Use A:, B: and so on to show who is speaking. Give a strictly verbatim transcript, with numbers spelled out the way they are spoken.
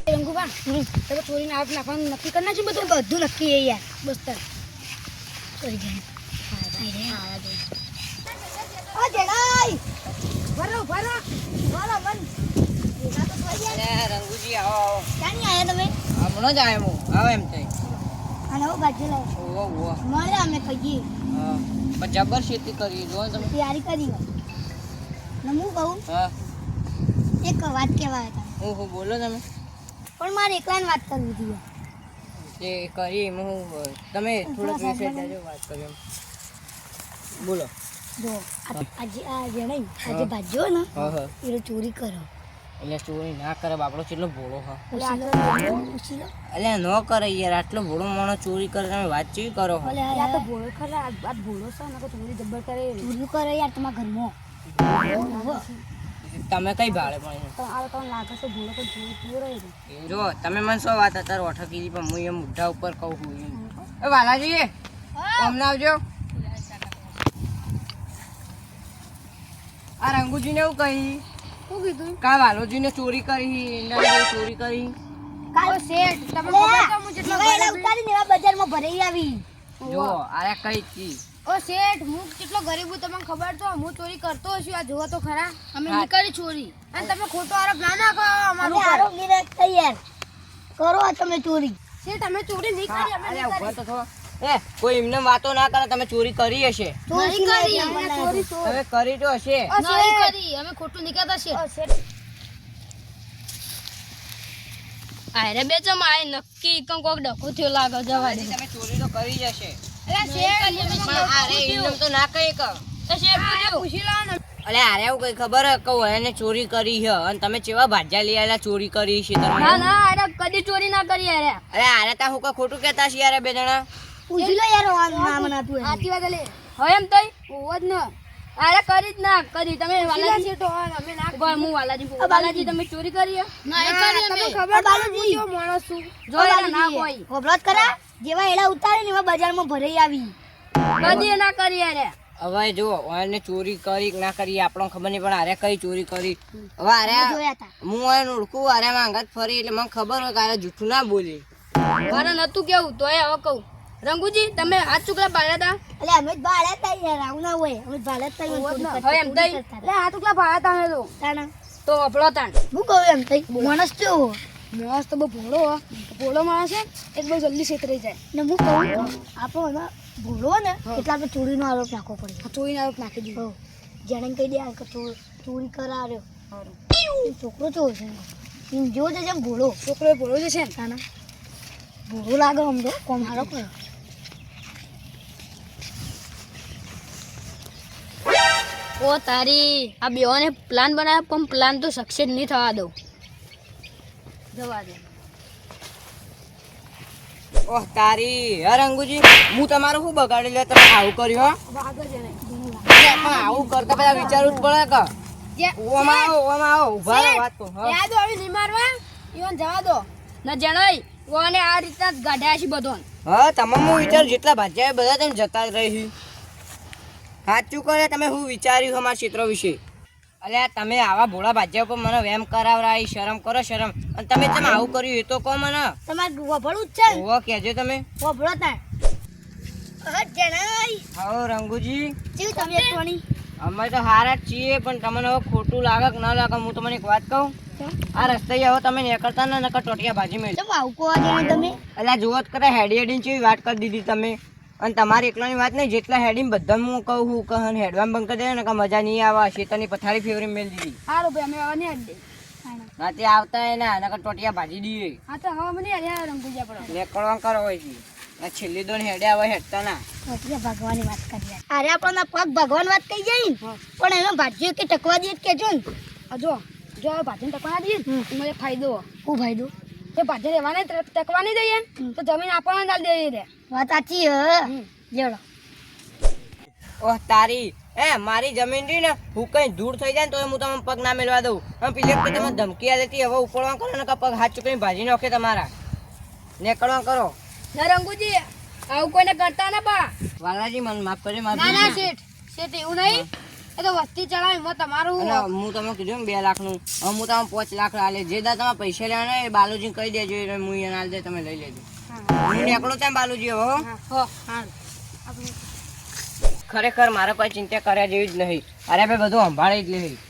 A: રંગુબા તમે ચોરીને આગ નાખવાનું નક્કી કરી નાખ્યું બધું બધું નક્કી છે યાર બસ તાર ચોરી ગયા આ જણાઈ ભરો ભરો ભરો મન
B: રંગુજી આવો આવો
A: ક્યાં આયા તમે
B: હમણાં જ આવ્યો હું આવો એમ થઈ
A: અને ઓ બાજુ લાવ
B: ઓહો ઓહો
A: મળે અમે કહીએ
B: હા પણ જબર ખેતી કરી જો તમે
A: તૈયારી કરી ને હું કહું
B: હા
A: એક વાત કહેવાય હતા
B: ઓહો બોલો તમે
A: પણ મારે એકલાને વાત કરવી હતી
B: જે કરી એમાં હું તમે થોડોક વિશે જાજો વાત કર્યો બોલો
A: જો આજે આ જણાઈ આજે ભાજ્યો ને
B: હા હા
A: એ ચોરી કરો
B: એટલે ચોરી ના કરે બાપડો કેટલો ભોળો હા
A: પૂછી લો
B: એટલે ન કરે યાર આટલો ભોળો માણસ ચોરી કરે તમે વાત ચેવી કરો છો
A: ઓલે આ તો ભોળો ખરા આ ભોળો છે ને ચોરી જબ્બર કરે ચોરી કરે યાર તમારા ઘરમાં
B: તમે કઈ ભાડે પણ
A: તો આ તો લાગે છે ભોળો પણ ચોરી ચોરે
B: જો તમે મને શું વાત અત્યારે ઓઠા કીધી પણ હું એમ મુઢા ઉપર કહું છું એ વાલાજી અમને આવજો આ રંગુજીને એવું કહી
A: શું કીધું
B: કા વાલોજીને ચોરી કરી એના ચોરી કરી
A: કાલો શેઠ તમે ખબર છે હું જેટલો ગરીબ ઉતારીને એવા બજારમાં ભરાઈ આવી
B: જો આ કઈ કી
A: ઓ શેઠ હું કેટલો ગરીબ હું તમને ખબર તો હું ચોરી કરતો હશું આ જોવો તો ખરા અમે નીકળી ચોરી અને તમે ખોટો આરોપ ના નાખો અમારો આરોપ નિરક તૈયાર કરો તમે ચોરી શેઠ અમે ચોરી નહીં કરી અમે
B: અરે ઉભા તો થો એ કોઈ એમને વાતો ના કરે તમે ચોરી કરી હશે
A: ચોરી કરી અમે ચોરી
B: તમે કરી તો હશે
A: નહીં કરી અમે ખોટું નીકળતા છે
C: આરે બે જમ આય નક્કી કમ કોક ડકો થયો લાગે જવા દે
B: તમે ચોરી તો કરી જ હશે
A: અરે શેઠ
B: અરે એમને તો ના કહી કહો
C: તો શેઠ પૂછ્યું
A: પૂછી લો ને
B: અલે આરે એવું કઈ ખબર હે કહું એને ચોરી કરી છે અને તમે ચેવા ભાજ્યા લઈ આવેલા ચોરી કરી છે તમે
C: ના ના આરે કદી ચોરી ના કરી આરે
B: અરે આરે તા હું કઈ ખોટું કહેતા છીએ યાર બે જણા
A: પૂછી લો યાર નામ ના તું આતી વાત લે
C: હવે એમ તઈ
A: ઓવજ ન
C: આરે કરી જ ના કરી તમે વાલાજી
A: શેઠ અમે ના
C: ઉભા હું વાલાજી વાલાજી તમે ચોરી કરી
A: ના કરી અમે ખબર બાલુજી જો માણસ છું
C: જો એના ના કોઈ
A: ખબરત કરા જેવા એડા ઉતારે ને એવા બજારમાં ભરાઈ આવી
C: કદી ના કરી આરે
B: હવે જો એને ચોરી કરી કે ના કરી આપણને ખબર નહીં પણ આરે કઈ ચોરી કરી હવે આરે
A: જોયા તા
B: હું એને ઓળખું આરે માંગત ફરી એટલે મને ખબર હોય કે આરે જૂઠું ના બોલી
C: મારે નતું કેવું તોય હવે કહું રંગુજી તમે હાથ ચુકલા પાડ્યા હતા
A: એટલે અમે જ ભાડે તઈ યાર આવું ના હોય અમે ભાડે તઈ
C: હવે એમ તઈ એટલે હાથ ચુકલા પાડ્યા તમે તો
A: તાણા
C: તો અપડો તાણ
A: હું કહું એમ તઈ માણસ જો
C: માણસ તો બહુ ભોળો હો ભોળો માણસ છે એ બહુ જલ્દી છેતરાઈ જાય
A: ને હું કહું આપણો એમાં ભૂલો ને એટલે આપણે ચોરીનો આરોપ નાખવો પડે
C: ચોરીનો આરોપ નાખી દીધો
A: જેને કહી દે કે ચોરી કરાવ્યો છોકરો ચોર છે એમ જો છે જેમ ભૂલો
C: છોકરો ભોળો જ છે ને
A: તાના ભૂલો લાગે આમ તો કોમ હારો કર્યો
C: ઓ તારી આ બેઓને પ્લાન બનાવ્યો પણ પ્લાન તો સક્સેસ નહીં થવા દઉં જવા દે
B: ઓહ તારી હે રંગુજી હું તમારું શું બગાડી લે તમે આવું કર્યું હો
C: આગળ જણે
B: અરે પણ આવું કરતા પેલા વિચારવું જ પડે કે ઓમાં આવો ઓમાં આવો ઉભા રહો વાત તો હા
C: યાદ આવી નહીં મારવા ઈવન જવા દો ના જણાય ઓને આ રીતના જ ગાઢ્યા છે બધો
B: હા તમામ હું વિચાર જેટલા ભાજ્યા બધા તમે જતા જ રહી સાચું કરે તમે શું વિચાર્યું અમારા ક્ષેત્ર વિશે અલ્યા તમે આવા ભોળા ભાજ્યા ઉપર મને વેમ કરાવરાય શરમ કરો શરમ અને તમે તમે આવું કર્યું એ તો કહો મને
A: તમારે વભળું જ છે
B: ઓહો કહેજો તમે
A: વભળો તાર હટ જણાઈ
B: આવો રંગુજી
A: કેવું તબિયત પાણી
B: અમે તો હારા જ છીએ પણ તમને હવે ખોટું લાગે કે ન લાગે હું તમને એક વાત કહું આ રસ્તે હવે તમે નીકળતા ને નકર ટોટિયા ભાજી મેળ
A: કેમ આવું કહો જણાઈ તમે
B: અલ્યા જુઓ જ કરે હેડી હેડીને ચેવી વાત કરી દીધી તમે અને તમારી એકલાની વાત નહીં જેટલા હેડીને બધા હું કહું હું કહું હેડવામ બંધ કરી દે ને કે મજા નહીં આવે શેતાની પથારી ફેવરી મેળ દીધી
C: સારું ભાઈ અમે હવે નહીં અડે
B: રાતે આવતા એના નકર ટોટિયા ભાજી દઈએ
C: હા તો હવે મને અરે રંગુજા પડો
B: નીકળવા કરો હોય છે આ છેલ્લી દોન હેડે આવે હેડતા ના
A: એટલે ભગવાનની વાત કરી અરે આપણને પગ ભગવાન વાત કહી જાય ને પણ એમાં ભાજ્યો કે ટકવા દે કેજો ને
C: આ જો જો હવે ભાજીને ટકવા દઈએ ને મને ફાયદો
A: હું ફાયદો
C: તે ભાજી રહેવાને ટકવા નહીં દઈએ તો જમીન આપણને ચાલ દઈએ રે
A: વાત સાચી હ લેવડો
B: ઓહ તારી એ મારી જમીન રહી ને હું કઈ દૂર થઈ જાય ને તો હું તમને પગ ના મેળવા દઉં અને પેલી વખતે તમે ધમકી આલેતી હવે ઉપડવા કરો ને કે પગ હાથ ચૂકીને ભાજી નાખે તમારા નીકળવા કરો
C: ના રંગુજી આવું કોઈને કરતા ના પા
B: વાલાજી મને માફ કરજો માફ
C: ના ના શેઠ શેઠ એવું નહીં
A: એ તો વસ્તી ચડાવે એમાં તમારું
B: અને હું તમને કીધું ને બે લાખનું હવે હું તમે પાંચ લાખ લાલે જે દા તમે પૈસા લેવાના એ બાલુજી કહી દેજો એટલે હું એને હાલ દે તમે લઈ લેજો હું નીકળો ત્યાં બાલુજી હવે હો.
A: હો હા
B: ખરેખર મારા કોઈ ચિંતા કર્યા જેવી જ નહીં અરે ભાઈ બધું સંભાળી જ લે